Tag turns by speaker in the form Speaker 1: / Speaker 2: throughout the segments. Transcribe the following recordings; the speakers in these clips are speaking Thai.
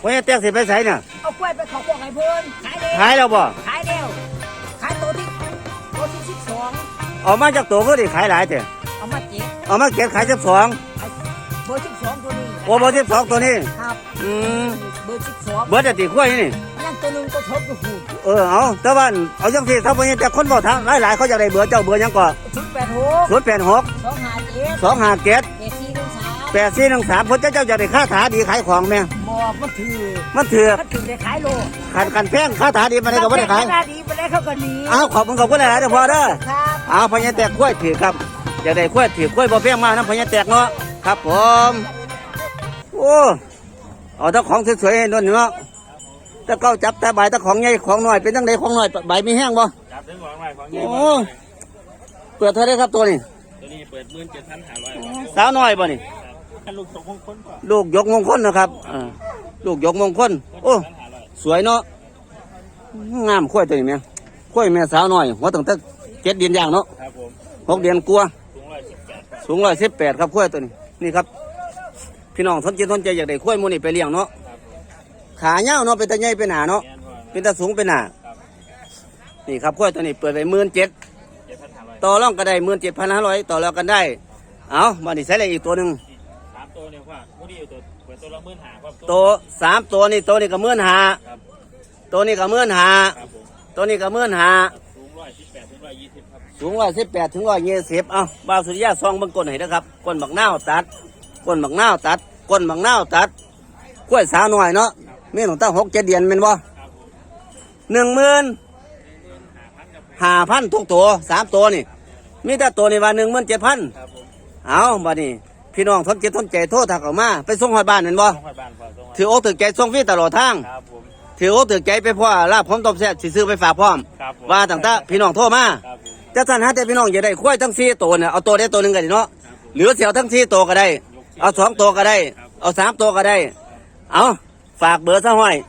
Speaker 1: พ่อใหญ่แตกสิไปใส่เนี่ย
Speaker 2: เอากล้วยไปขอบอกให้เพื่อน
Speaker 1: ขายแล้วบ่
Speaker 2: ขายแล้วขายตัวที่12
Speaker 1: เอามาจากตัวก็ได้ขายหลายแต่
Speaker 2: เอามา7
Speaker 1: เอามาเก็บขาย12
Speaker 2: เบอร์12ตัวนี้
Speaker 1: โอ้เบอร์12ตัวนี้
Speaker 2: ครับเบอร์12
Speaker 1: เบอร์จะตีขั้วนี่
Speaker 2: ยังตัวนึงก็ทบอยู่หู
Speaker 1: เอาแต่ว่าเอาจังซี่ถ้าพ่อใหญ่แตกคนบ่ทางหลายๆเขาอยากได้เบอร์เจ้าเบอร์หยังก่อ
Speaker 2: 086
Speaker 1: 257 8413เพิ่นเจ้าจะได้ค่าถาดีขายของแม่
Speaker 2: บ่
Speaker 1: มันถือ
Speaker 2: ได้ขายโล
Speaker 1: กันแพงค่าถาดีมาได้ก็บ่ได้ขาย
Speaker 2: ค่าดีบ่ได้เขาก็หนี
Speaker 1: ขอบคุณหลายๆเด้อพ่อเด้อครับพ่อใหญ่แตกขั้วถือครับอยากได้ขั้วถือขั้วบ่แพงมากนะพ่อใหญ่แตกเนาะครับผมโอ้เอาถ้าของสวยๆให้นวลเนาะถ้าเก้าจับแต่ใบถ้าของใหญ่ของน้อยเป็นจังไดของน้อยใบมีแห้งบ่
Speaker 3: จับถึงของใหม่ของใหญ่
Speaker 1: โอ้เปิดเท่าไรครับตัวนี้
Speaker 3: เปิด17,500
Speaker 1: สาวน้อยบ่นี่
Speaker 3: ลูกยกมงคล
Speaker 1: ลูกยกมงคลนะครับลูกยกมงคลโอ้สวยเนาะงามขั้วตัวนี้แม่ขั้วแม่สาวน้อยหัวตั้งแต่7 เดือนย่างเนาะ
Speaker 3: ครับผม
Speaker 1: 6 เดือนกลัวสูง118ครับขั้วตัวนี้นี่ครับพี่น้องสนใจอยากได้ขั้วมูนี่ไปเลี้ยงเนาะขาเน่าเนาะเป็นตาใหญ่เป็นหนาเนาะเป็นตาสูงเป็นหนานี่ครับขั้วตัวนี้เปิดไป17,500ต่อรองก็ได้17,500ต่อรองกันได้เอามาดิใส่อะไรอีกตัวหนึ่ง
Speaker 3: 3ตัวเนี่ยว่าผู้ที่ตัวเปิดตัวละ15,000ครับ
Speaker 1: ตัว3ตัวนี่ตัวนี้ก็15,000ตัวนี้ก็15,000ตัวนี้ก็15,000
Speaker 3: สูง118 ถึง 120ครับ
Speaker 1: สูง118 ถึง 120เอาบ่าวสุริยะซองเบิ่งก้นให้นะครับก้นบักนาวตัดก้นบักนาวตัดก้นบักนาวตัดกล้วยสาวน้อยเนาะแม่หนูตั้ง6 7 เดือนแม่นบ่15,000ทุกตัว3ตัวนี่มีแต่ตัวนี่ว่า17,000เอาบัดนี้พี่น้องสนใจโทรทักออกมาไปส่งฮอดบ้านนั่นบ่ถืออกถือใจส่งฟรีตลอดทางถืออกถือใจไปพ่อลาบพร้อมตบแซ่บสิซื้อไปฝากพร้อมว่าตั้งแต่พี่น้องโทรมาจะสั่นหาแต่พี่น้องอย่าได้ควายทั้ง4ตัวเนี่ยเอาตัวได้ตัวนึงก็ได้เนาะหรือเสียวทั้ง4ตัวก็ได้เอา2ตัวก็ได้เอา3ตัวก็ได้เอาฝากเบอร์ซะห้อย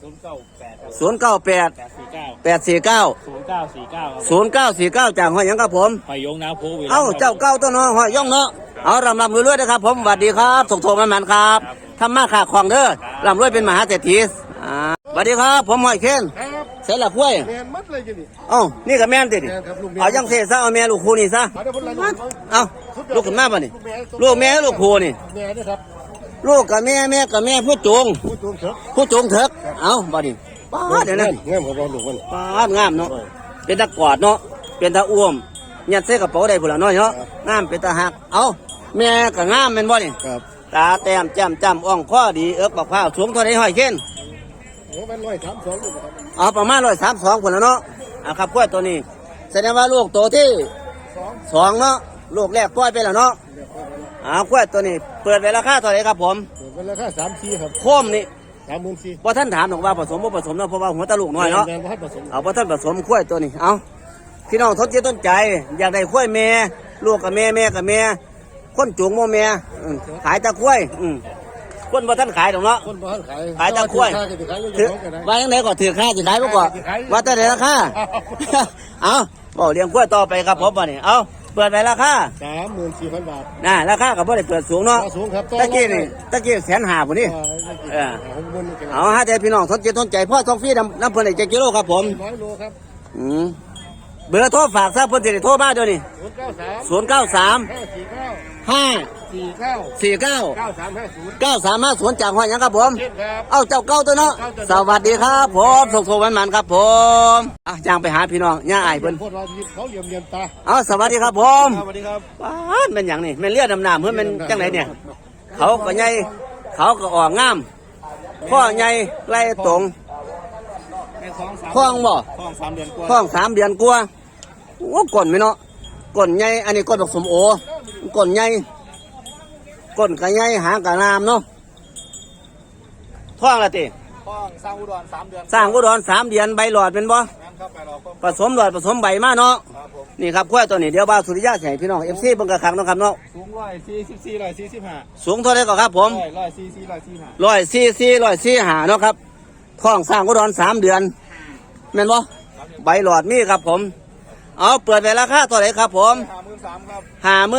Speaker 1: 098 849 0949จากห้อยยังครับผม
Speaker 3: ไปยงนาโพวิ
Speaker 1: เจ้าเก้าตัวน้องห้อยย่องเนาะเอารำรวยๆนะครับผมสวัสดีครับส่งโทรมันครับทำมาขาของเด้อรำรวยเป็นมหาเศรษฐีสวัสดีครับผมห้อยเคนเสร็จละกล้วย
Speaker 4: แมนมัดเลยจิ
Speaker 1: นี่กับแม่นติดเอายังเสียซะเอาแม่ลูกคู่นี่ซะลูกกับแม่ป่ะนี่ลูกแม่ลูกคู่นี่
Speaker 4: แม่นี่ครับ
Speaker 1: ลูกกับแม่กับแม่ผู้จงเถิกเอาบ่ดิป้าเดี๋ยวนั้น
Speaker 4: งามกับเราลูกมัน
Speaker 1: ป้างามเนาะเป็นตะกอดเนาะเป็นตะอ้วมยัดใส่กระเป๋าได้พุ่นละน้อยเนาะงามเป็นตะหักเอาแม่ก็งามแม่นบ่นี่ตาแต้มจำอ่องข้อดีบักพร้าวสูงเท่าไรห้อยเข็น
Speaker 4: เป็น132อยู่ครับ
Speaker 1: ประมาณ132พุ่นละเนาะครับกล้วยตัวนี้แสดงว่าลูกโตที่2เนาะลูกแรกปล่อยไปแล้วเนาะกล้วยตัวนี้เปิดไว้ราคาเท่าไรครับผม
Speaker 4: เปิดราคา34ครับ
Speaker 1: โคมนี่
Speaker 4: 34
Speaker 1: พอท่านถามหรอกว่าผสมบ่ผสมเนาะเพราะว่าหัวตะลูกน้อยเนาะพอท่านผสมกล้วยตัวนี้เอาพี่น้องทดต้นใจอยากได้กล้วยแม่ลูกกับแม่กับแม่คนจูงโมแม่ขายตะกล้วยคนบ่ท่านขายหรอกเนาะขายตะกล้วยว่าอย่างไรก็ถือค่าจะขายบ่ก่อนว่าแต่ไหนราคาเอาบอกเลี้ยงกล้วยต่อไปครับผมบ่นี่เอาเปิดไปราคา
Speaker 4: 34,000 บาท
Speaker 1: ราคากับบ่ได้เปิดสูงเนาะตะกี้150,000พุ่นนี่เอาฮะแต่พี่น้องทนใจพ่อท้องฟรีน้ำเพิ่นได้7 กิโลครับผม
Speaker 4: 100 โลครับ
Speaker 1: เบอร์โทรฝากซะเพิ่นสิได้โทรมาเดี๋ยวนี้093 9349 จากห้อยยังครับผมเจ้าเก้าตัวเนาะสวัสดีครับผมส่งโทรมันครับผมย่างไปหาพี่น้องย่างไอ้เพิ่น
Speaker 4: เขาเหลี่ยมตา
Speaker 1: สวัสดีครับผม
Speaker 4: สวัสดีครับ
Speaker 1: เป็นอย่างนี้เป็นเลือดดำน้ำเพื่อนเป็นจังไหนเนี่ยเขาก็ใหญ่เขาก็ออกงามข้อใหญ่ไล่ตรงข้องบ่ข้อง3 เดือนกว่าโอ้ก้นไหมเนาะก้นใหญ่อันนี้ก้นดอกสมโอก้นใหญ่ก้นกระใหญ่หางกระนามเนาะท้องละติ
Speaker 4: ท้องสร้างอุดร3 เดือน
Speaker 1: 3 เดือนใบหลอดเป็นบ่ผสมหลอดผสมใบมาเนาะนี่ครับกล้วยตัวนี้เดี๋ยวบ่าวสุริยะใส่พี่น้องFCเบิ่งกระคังเนาะครับเนาะ
Speaker 4: สูง144 145
Speaker 1: สูงเท่าไรก็ครับผม144 145เนาะครับท้องสร้างอุดร3 เดือนแม่นบ่ใบหลอดมีครับผมเอาเปิดไปราคาเท่าไหร่ครับผม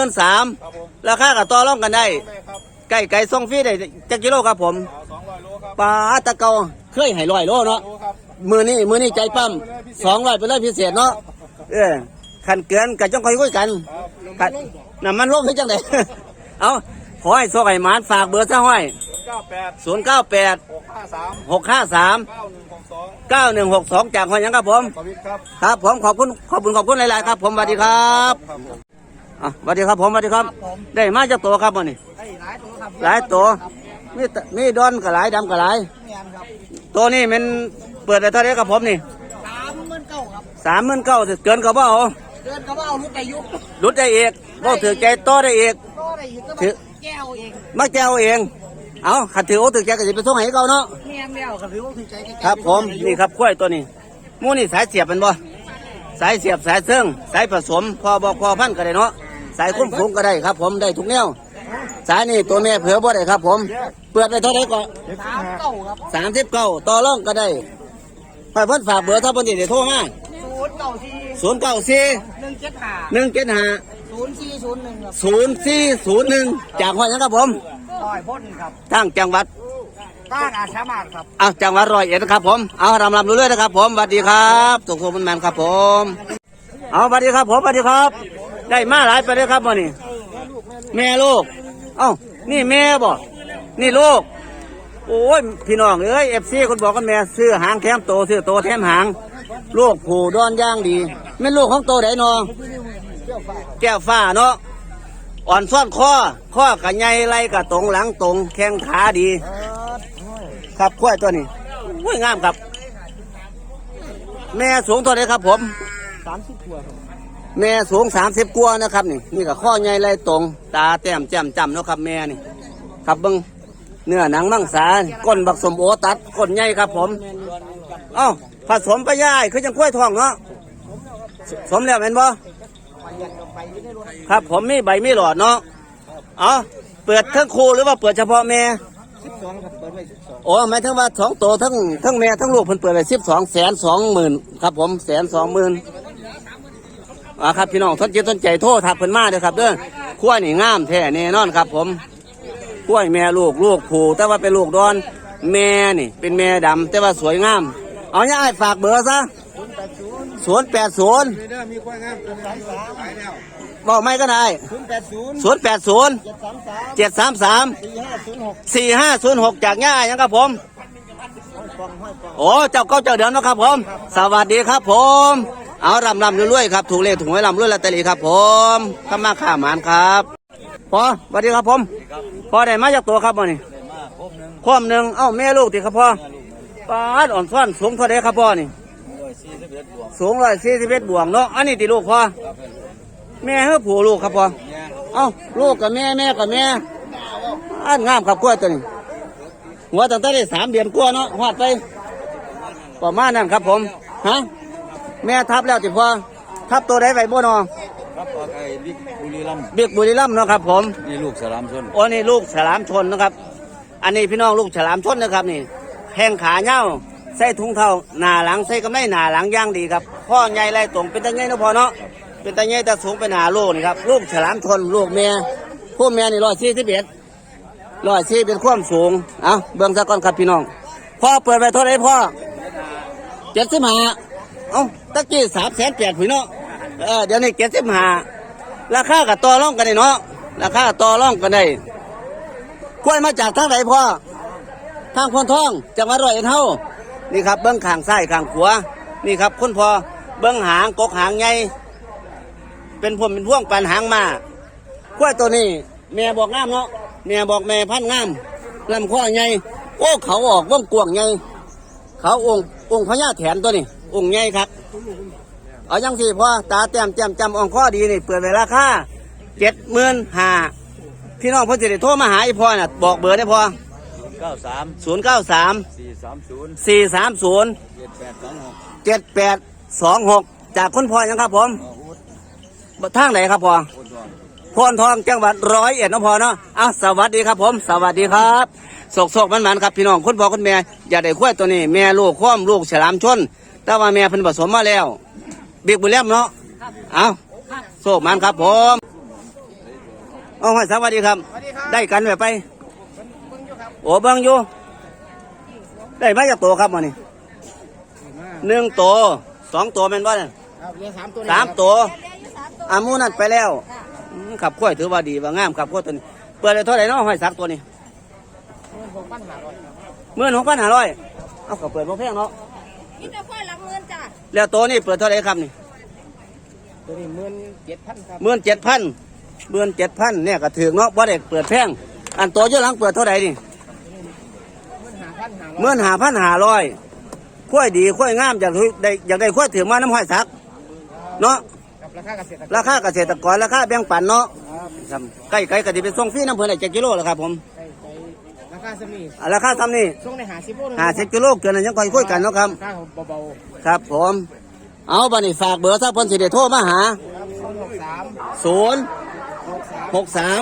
Speaker 1: 53,000ราคากับต่อรองกันได้ไก่ส่งฟรีได้จักกิโลครับผมปลาตะเกาเคยให้100 โลเนาะ
Speaker 4: โลครับ
Speaker 1: มือนี้ใจปั้ม200ไปเลยพิเศษเนาะขันเกินกับจ้องคอยคุยกัน
Speaker 4: ครับ
Speaker 1: น้ำมันลงให้จังได เอาขอให้โซไก่หมานฝากเบอร์ซะห้อย
Speaker 4: 98
Speaker 1: 098 653
Speaker 4: 9162
Speaker 1: 9162จากห้อยหยังครับผม
Speaker 4: สวิตครับ
Speaker 1: ครับผมขอบคุณหลายๆครับผมสวัสดีครับ
Speaker 4: ครับผม
Speaker 1: สวัสดีครับผมสวัสดีครับ ได้มาจากตัวครับวันนี้
Speaker 2: ไอ้หลายตัวครับ
Speaker 1: หลายตัวมีดอนกับหลายดำกับหลาย
Speaker 2: แม่นครับ
Speaker 1: ตัวนี้มันเปิดได้เท่าไหร่ครับผมนี่
Speaker 2: 39,000ครับ
Speaker 1: 39,000เกินกับว่าเอา
Speaker 2: เดินก็ว่าเอาลูกอายุ
Speaker 1: รุดได้เอกบ่ถือใจต่อได้เอก
Speaker 2: ก็ได้อยู่ก็
Speaker 1: ถือ
Speaker 2: แก้วเอง
Speaker 1: มาแก้วเองเอาขัดถือโอ้ถือใจก็จะไปส่งให้เขาเนาะ
Speaker 2: แม่นแล้วครับพี่ว่าคือใจแก้ว
Speaker 1: ครับผมนี่ครับกล้วยตัวนี้หมูนี่สายเสียบเป็นบ่สายเสียบสายเสื่องสายผสมพอบอกพอพันก็ได้เนาะสายคุ้มฝูงก็ได้ครับผมได้ทุกแนวสายนี่ตัวแม่เผือบ่ได้ครับผมเปิดไปเท่าไหร่ก็
Speaker 2: 39ครับ
Speaker 1: 39ต่อรองก็ได้ไปเพิ่นฝากเบอร์ถ้าเพิ่นสิได้โทรมา
Speaker 2: 094
Speaker 1: 094
Speaker 2: 175
Speaker 1: 175
Speaker 2: 0401ครับ
Speaker 1: 0401จากห้อยหยังครับผม
Speaker 2: ต่อยพ่นครับ
Speaker 1: ทางจังหวัด
Speaker 2: ต้านอาชามาครับ
Speaker 1: จังหวัดร้อยเอ็ดนะครับผมเอารำเรื่อยๆนะครับผมสวัสดีครับสุขสมแมนครับผมเอาสวัสดีครับผมสวัสดีครับ ได้มาหลายไปเลยครับวันนี้แม่ลูกนี่แม่บ่นี่ลูกโอ้ยพี่น้องเอ้ยFCคนบอกกันแม่ซื้อหางแถมโตซื้อโตแถมหางลูกผูดอนย่างดีแม่ลูกของโตไหนนอแก้วฟ้าเนาะอ่อนซ่อนข้อกะใหญ่ไหลกะตรงหลังตรงแข้งขาดี ครับกล้วยตัวนี้กล้วยงามครับ แม่สูงตัวไหนครับผม
Speaker 2: 30ตัวครับ
Speaker 1: แม่สูง30กว่านะครับนี่ก็ข้อใหญ่ไหลตรงตาแต้มแจ่มจำเนาะครับแม่นี่ครับเบิ้งเนื้อหนังมังสาก้นบักสมโอตัดก้นใหญ่ครับผมผสมไปย่ายคือจังกล้วยทองเนาะสมแล้วเห็นบ่ครับผมมีใบมีหลอดเนาะเปิดทั้งคู่หรือว่าเปิดเฉพาะแม่
Speaker 2: 12ครับเปิดไว้12
Speaker 1: โอ้หมายถึงว่า2 ตัวทั้งแม่ทั้งลูกเพิ่นเปิดไป12,220,000ครับผม120,000ครับพี่น้องสนใจโทรทักเพิ่นมาเด้อครับเด้อขั้วนี่งามแท้แน่นอนครับผมขั้วแม่ลูกผูแต่ว่าเป็นลูกดอนแม่นี่เป็นแม่ดำแต่ว่าสวยงามเอาเนี่ยไอ้ฝากเบอร์ซะ080
Speaker 4: เด้อมีควายงามตัวนี้ขายแล้ว
Speaker 1: บอกไม่ก็ได้
Speaker 2: 080
Speaker 1: 080
Speaker 2: 733
Speaker 1: 733 4506จากย่ายังครับผมโอ้เจ้าเจ้าเดิมนะครับผมสวัสดีครับผมเอารำรวยๆครับถูกเลขถูกหวยรำรวยลอตเตอรี่ครับผมข้ามาข้าหมานครับพอสวัสดีครับผมพอได้มาจากตัวครับบ่นี่คมหนึ่งแม่ลูกติครับพ่อปาดอ่อนซ่อนสูงเท่าไรครับพ่อนี่สูง141บวกเนาะอันนี้ติลูกพ่อแม่เฮ้อผู้ลูกครับพ่อลูกกับแม่กับแม่อันงามครับกล้วยตัวนี้หัวตั้งแต่ได้3 เดือนกว่าเนาะหอดไปประมาณนั้นครับผมแม่ทับแล้วติพ่อทับตัวใดไว้บ่นอ
Speaker 3: ครับไอ้บิ๊กบุรีรัมย์
Speaker 1: เบียกบุรีรัมย์เนาะครับผม
Speaker 3: นี่ลูกสลามชน
Speaker 1: โอ้นี่ลูกฉลามชนนะครับ อันนี้พี่น้องลูกฉลามชนนะครับนี่แข้งขาเน่าใส่ถุงเท้าหน้าหลังใส่กำไลหน้าหลังย่างดีครับข้อใหญ่ไรตรงเป็นตาใหญ่เนาะพอเนาะเป็นตาใหญ่ตาสูงเป็นหาลูกนี่ครับลูกฉลามชนลูกแม่ผู้แม่นี่141เป็นความสูงเบิ่งซะก่อนครับพี่น้องพ่อเปิดไปเท่าไหร่พ่อ75ตะกี้380,000พี่เนาะเดี๋ยวนี้75ราคากับต่อรองกันได้เนาะราคาต่อรองกันได้กล้วยมาจากทางไหนพ่อทางพนทองจังหวัดร้อยเอ็ดเฮานี่ครับเบิ้งข้างซ้ายข้างขวานี่ครับคุณพ่อเบิ้งหางกกหางใหญ่เป็นพ่วงปันหางมากล้วยตัวนี้แม่บอกงามเนาะแม่บอกแม่พันงามลำคอใหญ่โอ้เขาออกว่องกวางใหญ่เขาองค์พญาแถนตัวนี้องค์ใหญ่ครับเอายังสิพ่อตาแต้มจำองค์ข้อดีนี่เปิดไว้ราคา75,000พี่น้องเพิ่นสิได้โทรมาหาอีพ่อน่ะบอกเบอร์ได้พ่อ
Speaker 3: 93
Speaker 1: 093
Speaker 3: 430
Speaker 1: 430
Speaker 3: 7826
Speaker 1: 7826จากคุณพ่อยังครับผมทางไหนครับพ่อพนทองจังหวัดร้อยเอ็ดน้องพ่อเนาะสวัสดีครับผมสวัสดีครับโศกมันครับพี่น้องคุณพ่อคุณแม่อยากได้ควายตัวนี้แม่ลูกข้อมลูกฉลามชนแต่ว่าแม่เพิ่นผสมมาแล้วบิ๊กบุญเล่มเนาะโศกมันครับผมให้สวัสดีครับได้กันไปโอ้เบิ่งอยู่ได้มาจากตัวครับมันนี่1ตัว2ตัวแม่นบ่เนี่ย
Speaker 2: ครับเลี้ยง3ตัว
Speaker 1: 3ตัวอามูนั่นไปแล้วขับกล้วยถือว่าดีว่างามขับกล้วยตัวนี้เปิดได้เท่าไหร่เนาะห้อยสักตัวนี้16,500เอาก็เปิดบ่แพงเนาะ
Speaker 2: นี่จะค่อยหลักเงินจ้ะ
Speaker 1: แล้วตัวนี้เปิดเท่าไหร่ครับนี่
Speaker 2: ตัวนี้17,000ครับ
Speaker 1: 17,000เนี่ยก็ถือเนาะบ่ได้เปิดแพงอันตัวอยู่หลังเปิดเท่าไหร่นี่ 15,500กล้วยดีกล้วยงามอยากได้กล้วยถือมาน้ำห้อยสักเนาะ
Speaker 2: กับราคาเกษตรกร
Speaker 1: ราคาเกษตรกรราคาแบ่งปันเนาะครับใกล้ก็สิเป็นส่งฟรีน้ำเพิ่นได้7กิโลแล้วครับผม
Speaker 2: ราคาสมี
Speaker 1: ราคาซ้ำนี่
Speaker 2: ส่งใน50โล
Speaker 1: 50กิโลเกินนั้นยังค่อยคุยกันเนาะครับ
Speaker 2: ราคาเบา
Speaker 1: ครับผมเอาบัดนี้ฝากเบอร์ถ้าเพิ่นสิได้โทรมาหา
Speaker 2: ๆ
Speaker 1: 063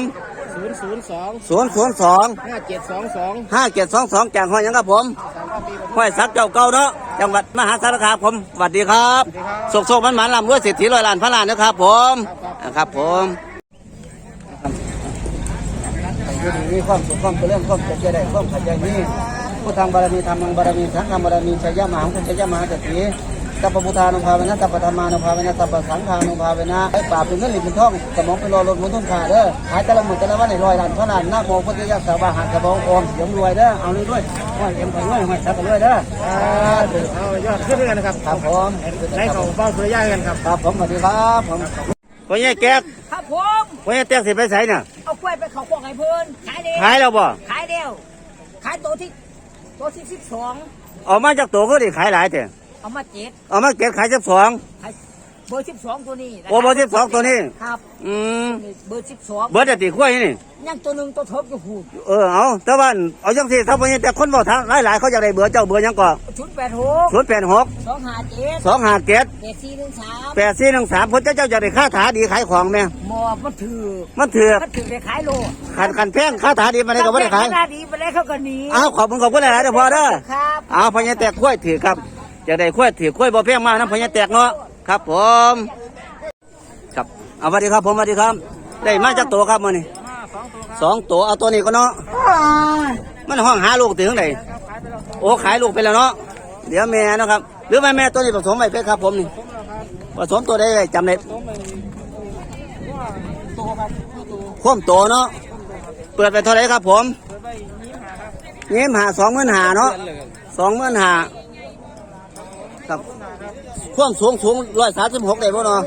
Speaker 2: 062
Speaker 1: 002
Speaker 2: 5722
Speaker 1: 5722จากห้อยหยังครับผมห้อยสักเจ้าเก่าเนาะจังหวัดมหาสารคามผมสวัสดีครับโศกๆมันๆลำรวยเศรษฐี100 ล้านพันล้านนะครับผมครับผมมีความสุขความเจริญความเจริญได้ความขัดใจนี้ผู้ทางบารมีธรรมังบารมีสังฆังบารมีชัยยะมหังชัยยะมหาเศรษฐีตัปปะพุทธานุภาเวนะตัปปะธรรมานุภาเวนะตัปปะสังฆานุภาเวนะไอ้ปราบเป็นเงินหลิบเป็นทองสมองเป็นรอรถมุนทุ่มขาเด้อหายแต่ละหมื่นแต่ละวันใน100 ล้านพันล้านนะโมพุทธิยะสาวาหันกระบองอมเสียงรวยเด้อเอาเลยด้วยห้อยเอ็มไปด้วยห้อยสักไปด้วยเด้อ
Speaker 2: เอายอดขึ้นด้วยกันนะครับ
Speaker 1: ครับผม
Speaker 2: ให้เขาเฝ้าสุริยะกันครับ
Speaker 1: ครับผมสวัสดีครับผมพ่อใหญ่แก๊ก
Speaker 2: ครับผม
Speaker 1: พ่อใหญ่แก๊กสิไปไสน่ะ
Speaker 2: เอากล้วยไปเขาพวกไอ้เพิ่นขายเดียว
Speaker 1: ขายแล้วบ่
Speaker 2: ขายเดียวขายตัวที่12
Speaker 1: ออกมาจากตัวก็ได้ขายหลายแต่
Speaker 2: เอามา7
Speaker 1: เอามาเก็บขาย12
Speaker 2: ขายเบอร์12ตัวนี้
Speaker 1: โอ้เบอร์12ตัวนี้
Speaker 2: ครับ เบอร์12
Speaker 1: เบอร์จะตีขั้วนี่
Speaker 2: ยังตัวหนึงตัวทบอยู่หู
Speaker 1: เอาแต่ว่าเอาจังซี่ถ้าพ่อใหญ่แต่คนบอกทางหลายๆเขาอยากได้เบอร์เจ้าเบอร์หยังก่อ
Speaker 2: 086
Speaker 1: 086
Speaker 2: 257
Speaker 1: 257
Speaker 2: 8413
Speaker 1: 8413เพิ่นเจ้าอยากได้ค่าถาดีขายของแม่
Speaker 2: หมอมันถือ
Speaker 1: มันถือ
Speaker 2: มันถือได้ขายโล
Speaker 1: ขันแพงค่าถาดีมาได้ก็บ่ได้ขาย
Speaker 2: ขนาดดีไปแล้วเขาก็หนี
Speaker 1: เอาขอบคุณหลายๆเด้อพ่อเด้อ
Speaker 2: ครับ
Speaker 1: เอาพ่อใหญ่แตกขั้วถือครับอยากได้ขั้วถือขั้วบ่แพงมากนะพ่อใหญ่แตกเนาะครับผมครับเอาสวัสดีครับผมสวัสดีครับได้มาจากตัวครับมื้อนี้2ตัวเอาตัวนี้ก็เนาะมันห้องหาลูกถึงไหนโอ้ขายลูกไปแล้วเนาะเดี๋ยวแม่เนาะครับหรือแม่ตัวนี้ผสมไปเพชรครับผมนี่ผสมตัวได้เลยจำได้ข้มโตเนาะเปิดไปเท่าไหร่ครับผมยิ้มหา25,000เนาะ25,000ครับความสูง136ได้บ่เนาะ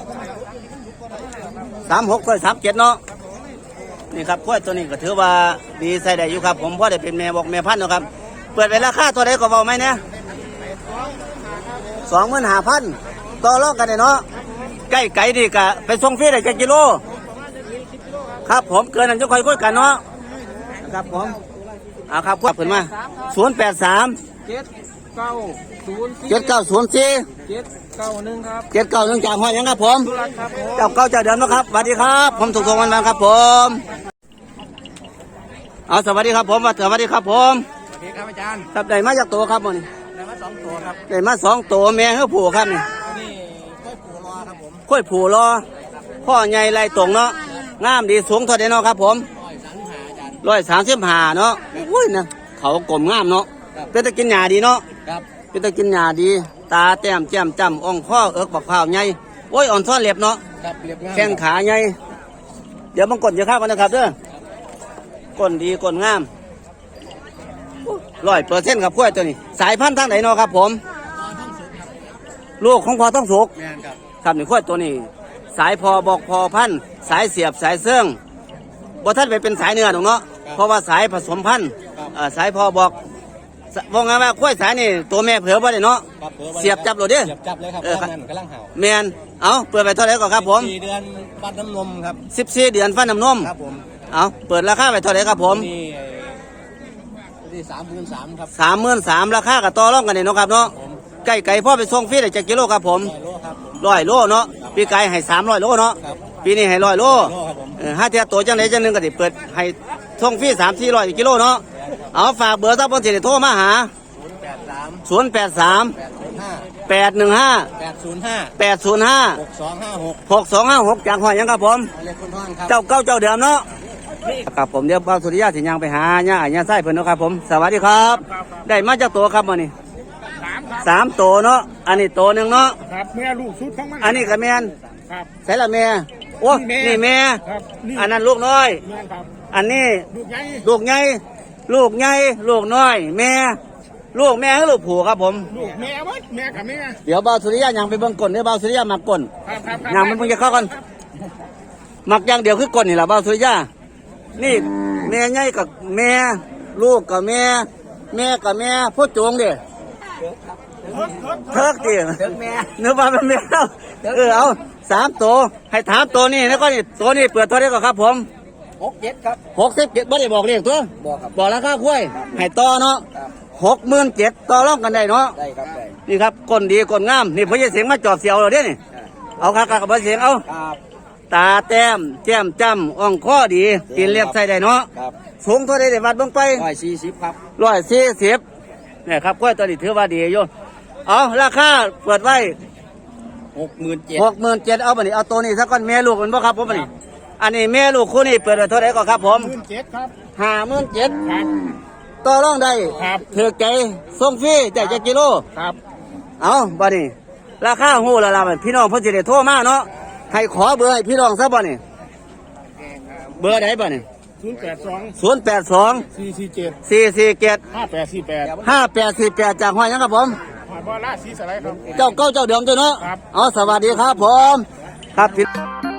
Speaker 1: 36 37เนาะนี่ครับกล้วยตัวนี้ก็ถือว่าดีใส่ได้อยู่ครับผมเพราะได้เป็นแม่บอกแม่พันธุ์เนาะครับเปิดไปราคาตัวใดก็เว้าไหมเนี่ย25,000ต่อรองกันได้เนาะใกล้ไกลดีกะไปส่งฟรีได้จักกิโลครับผมเกินนั้นจะค่อยคุยกันเนาะครับผมเอาครับควบขึ้นมา083
Speaker 2: 790
Speaker 1: 7904
Speaker 2: 791ครับ
Speaker 1: 791จากห้อยหยังครับผม
Speaker 2: ตุลักครับผม
Speaker 1: เจ้าเก่าเจ้าเดิมนะครับสวัสดีครับผมถูกทงวันครับผมเอาสวัสดีครับผมสวัสดีครับผม
Speaker 2: สวัสดีครับอาจารย์
Speaker 1: ครับได้มาจากตัวครับมัน
Speaker 2: ได้มา2ตัวครับ
Speaker 1: ได้มา2ตัวแม่เฮือผูครับนี่
Speaker 2: นี่กล้วยปูรอครับผม
Speaker 1: ค่อยผูรอพ่อใหญ่ไรตรงเนาะงามดีสูงเท่าใดเนาะครับผม135เนาะอุ้ยนะเขากลมงามเนาะเป็นตะกินหญ้าดีเนาะ
Speaker 2: ครับ
Speaker 1: เป็นตะกินหญ้าดีตาแต้มแจ่มจ้ำอ่องข้อเอิกบักพร้าวใหญ่โอ้ยอ่อนซ่อนเล็บเนาะ
Speaker 2: ครับเรียบง่าย
Speaker 1: แข้งขาใหญ่เดี๋ยวมันกดเยอะข้าวกันนะครับเด้อก้นดีก้นงาม100%ครับกล้วยตัวนี้ สายพันธุ์ทางไหนเนาะครับผมลูกของพอต้องสุก
Speaker 2: แม่นครับ
Speaker 1: ครับนี่กล้วยตัวนี้ สายพอบอกพอพันธุ์สายเสียบสายเสื่องบ่ท่านไปเป็นสายเนื้อหรอกเนาะเพราะว่าสายผสมพันธุ์สายพอบอกว่าไงว่ากล้วยสายนี่ตัวแม่เผือบ่ได้เนาะ
Speaker 2: ครับผ
Speaker 1: เสียบจับโหลดเด้อ
Speaker 2: เสียบจับเลยครับ
Speaker 1: ครับ
Speaker 2: นั่นกำลังเห่า
Speaker 1: แมนเอาเปิดไปเท่าไหร่ก่อนครับผม
Speaker 2: 4 เดือนปัดน้ำนมครับ
Speaker 1: 14 เดือนฟันน้ำนม
Speaker 2: ครับผม
Speaker 1: เอาเปิดราคาไปเท่าไหร่ครับผม
Speaker 2: นี่33,000ครับ
Speaker 1: 33,000ราคากับต่อรองกันเนี่ยเนาะครับเนาะ
Speaker 2: ผม
Speaker 1: ไก่พ่อไปส่งฟรีได้จักกิโลครับผม
Speaker 2: 100 โลครับผม
Speaker 1: 100 โลเนาะปีไก่ให้300 โลเนาะ
Speaker 2: ครับ
Speaker 1: ปีนี้ให้100 โล
Speaker 2: โลครับผม
Speaker 1: ห้าเทียตัวจังไหนจังหนึงก็ได้เปิดให้ส่งฟรี300-400กิโลเนาะเอาฝากเบอร์ถ้าเพิ่นสิได้โทรมาหา
Speaker 2: 083
Speaker 1: 083
Speaker 2: 805
Speaker 1: 815 805
Speaker 2: 6256
Speaker 1: 6256จากห้อยหยังครับผม
Speaker 2: เรียกคุณท่านครับ
Speaker 1: เจ้าเก่าเจ้าเดิมเนาะครับผมเดี๋ยวบ่าวสุริยะสิยังไปหาญาญาไส้เพิ่นเนาะครับผมสวัสดีครับ ได้มาจากตัวครับมื้อนี้
Speaker 3: 3ครับ
Speaker 1: 3ตัวเนาะอันนี้ตัวหนึงเนาะ
Speaker 3: ครับแม่ลูกชุดของมัน
Speaker 1: อันนี้ก็แม่น
Speaker 3: ครับ
Speaker 1: ใส่ละแม่โอ้นี่แม่
Speaker 3: ครับนี่
Speaker 1: อันนั้นลูกน้อย
Speaker 3: แม่ครับ
Speaker 1: อันนี้
Speaker 3: ลูกใหญ่
Speaker 1: ลูกใหญ่ลูกใหญ่ลูกน้อย แม่ลูกแม่ให้ลูกผูครับผม
Speaker 3: ลูกแม่เว้ยแม่กับแม่
Speaker 1: เดี๋ยวบ่าวสุริยะยังไปเบิ่งก้นเดี๋ยวบ่าวสุริยะมักก้น
Speaker 3: ครับครับ
Speaker 1: ยังมันเพิ่งจะเข้ากันมักอย่างเดียวคือก้นนี่ล่ะบ่าวสุริยะนี่แม่ใหญ่กับแม่ลูกกับแม่แม่กับแม่พ่อโจงเด้เทิกดิ
Speaker 2: เด็กแม่
Speaker 1: เนื้อปลาเป็นแมวเอา3ตัวให้ถามตัวนี้แล้วก็นี่ตัวนี้เปิดตัวได้ก่อนครับผม
Speaker 2: 67ครับ
Speaker 1: 67บ่ได้บอกเลขตัว
Speaker 2: บอกครับ
Speaker 1: บอกราคาคุ้ยให้ต่อเนาะ
Speaker 2: ครับ
Speaker 1: 67,000ต่อรองกันได้เนาะ
Speaker 2: ได้ครับได้
Speaker 1: นี่ครับก้นดีก้นงามนี่พ่อใหญ่เสียงมาจอบเสียวเราเด้นี่เอาคักๆกับพ่อเสียงเอา
Speaker 2: ครับ
Speaker 1: ตาแต้มแก้มจ้ำอ่องคอดีกินเรียบใส่ได้เนาะ
Speaker 2: ครับ
Speaker 1: สูงเท่าใดได้วัดเบิ่งไป
Speaker 2: 140ครับ
Speaker 1: 140เนี่ยครับกล้วยตัวนี้ถือว่าดีอยู่เอาราคาเปิดไว้
Speaker 2: 67,000
Speaker 1: 67,000เอาบัดนี้เอาตัวนี้ซะก่อนแม่ลูกมันบ่ครับผมบัดนี้อันนี้แม่ลูกคู่นี้เปิดไว้เท่าไหร่ก่อนครับผม
Speaker 3: 17ครับ
Speaker 1: 57,000
Speaker 3: ครับ
Speaker 1: ต่อรองได้
Speaker 3: ครับ
Speaker 1: ถือใจส่งฟรีแต่จะกิโล
Speaker 3: ครับ
Speaker 1: เอาบัดนี้ราคาฮู้แล้วล่ะบัดพี่น้องเพิ่นสิได้โทรมาเนาะให้ขอเบอร์ให้พี่น้องซะบ่นี่เบอร์ใดบ่นี่
Speaker 3: 082
Speaker 1: 082
Speaker 3: 447
Speaker 1: 447
Speaker 3: 5848
Speaker 1: 5848จากห้อยหยังครับผม
Speaker 3: หอยบ่อราชสีสไลด์ครับ
Speaker 1: เจ้าเก่าเจ้าเดิมเจ้าเนาะ
Speaker 3: ครับ
Speaker 1: เอาสวัสดีครับผม ครับพี่